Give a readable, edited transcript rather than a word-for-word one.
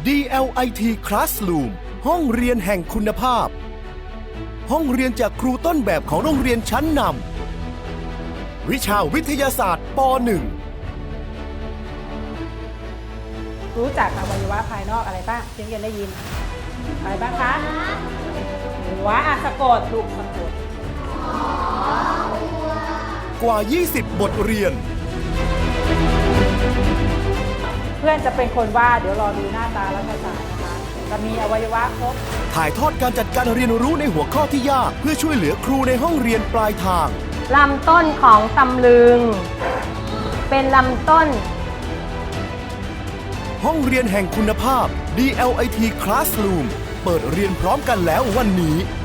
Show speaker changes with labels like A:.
A: DLIT Classroom ห้องเรียนแห่งคุณภาพ ห้องเรียนจากครูต้นแบบของโรงเรียนชั้นนำวิชาวิทยาศาสตร์ป .1
B: รู้จักอวัยวะภายนอกอะไรบ้างเรียนได้ยินอะไรบ้างคะหัวสะกดลูกสะกด
A: กว่า 20 บทเรียน
B: เพื่อนจะเป็นคนวาดเดี๋ยวรอดูหน้าตารัฐศาสตร์นะคะจะมีอวัยวะครบ
A: ถ่ายทอดการจัดการเรียนรู้ในหัวข้อที่ยากเพื่อช่วยเหลือครูในห้องเรียนปลายทาง
C: ลำต้นของตำลึงเป็นลำต้น
A: ห้องเรียนแห่งคุณภาพ DLIT Classroom เปิดเรียนพร้อมกันแล้ววันนี้